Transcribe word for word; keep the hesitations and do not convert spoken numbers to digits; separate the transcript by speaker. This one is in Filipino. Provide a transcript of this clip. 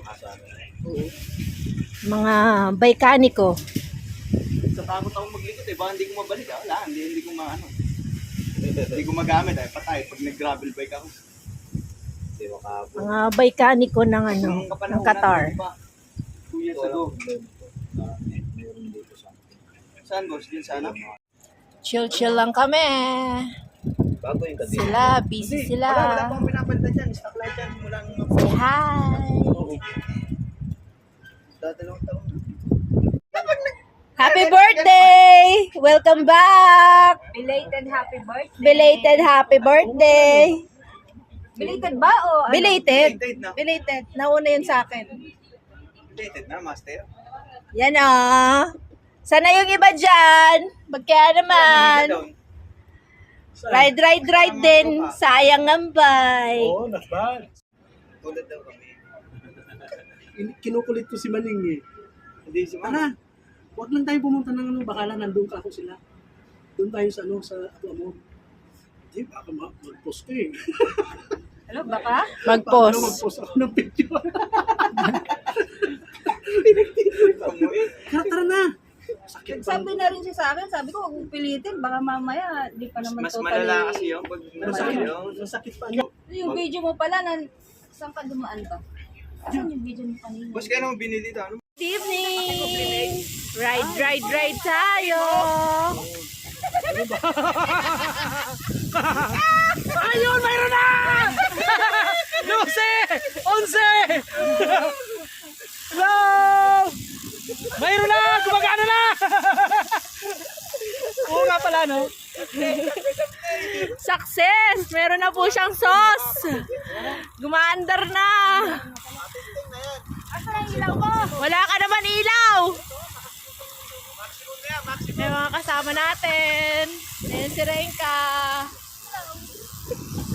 Speaker 1: Mga baykaniko.
Speaker 2: Sa takot ako maglikot eh, baka hindi ko mabalik ah. Wala, hindi, hindi ko maano. Hindi ko magamit eh, patay pag nag-gravel bike ako. Hindi makabot.
Speaker 1: Mga baykaniko ng ano, ng Qatar.
Speaker 2: Two years ago. Saan boss? Din sana?
Speaker 1: Chill-chill lang kami.
Speaker 2: Bago yung kadena.
Speaker 1: Sila, busy sila.
Speaker 2: Wala, wala pang pinapalitan dyan. Stock light yan. Mula nung
Speaker 1: Say hi.
Speaker 2: dadalawang taon na.
Speaker 1: Happy birthday! Welcome back!
Speaker 3: Belated happy birthday.
Speaker 1: Belated happy birthday!
Speaker 3: Belated ba o ano?
Speaker 1: Belated?
Speaker 2: Belated na.
Speaker 1: Belated. Nauna yun sa akin.
Speaker 2: Dated na, master.
Speaker 1: Yan ah. Sana yung iba dyan. Magkaya naman. Ride, ride, ride din. Sayang ang bay.
Speaker 4: Oo, not bad.
Speaker 2: Tulad daw kami.
Speaker 4: Kinukulit ko si Maning eh.
Speaker 2: Hindi si Mama.
Speaker 4: Tara, huwag lang tayo pumunta ng ano, baka lang nandun ka ako sila. Doon tayo sa ano, sa Apo Amor. Hindi, baka ma- mag-post ko eh.
Speaker 3: Ano, baka?
Speaker 4: Baka
Speaker 1: Mag-post.
Speaker 4: mag-post ako ng picture. Tara, tara na. Sakit pa.
Speaker 3: Sabi na rin siya sa akin, sabi ko, huwag mong pilitin, baka mamaya, di pa naman
Speaker 2: Mas
Speaker 3: totally.
Speaker 2: malala kasi yun pag
Speaker 4: Masakit,
Speaker 2: yun.
Speaker 4: masakit pa niya.
Speaker 3: Yung video mo pala, nan, saan ka dumaan ba? Saan yung video mo kanina?
Speaker 2: Boss, kaya naman binili ito. Ano?
Speaker 1: Good evening! Ride, ride, ride tayo!
Speaker 4: Ayun, mayroon na! Lucy! Onse! Hello! Mayroon na! Gumagana na! Oo nga pala, no?
Speaker 1: Success! Meron na po siyang sauce! Gumaandar na!
Speaker 3: Asa na yung ilaw ko?
Speaker 1: Wala ka naman ilaw! May mga kasama natin. Ayan si Renka.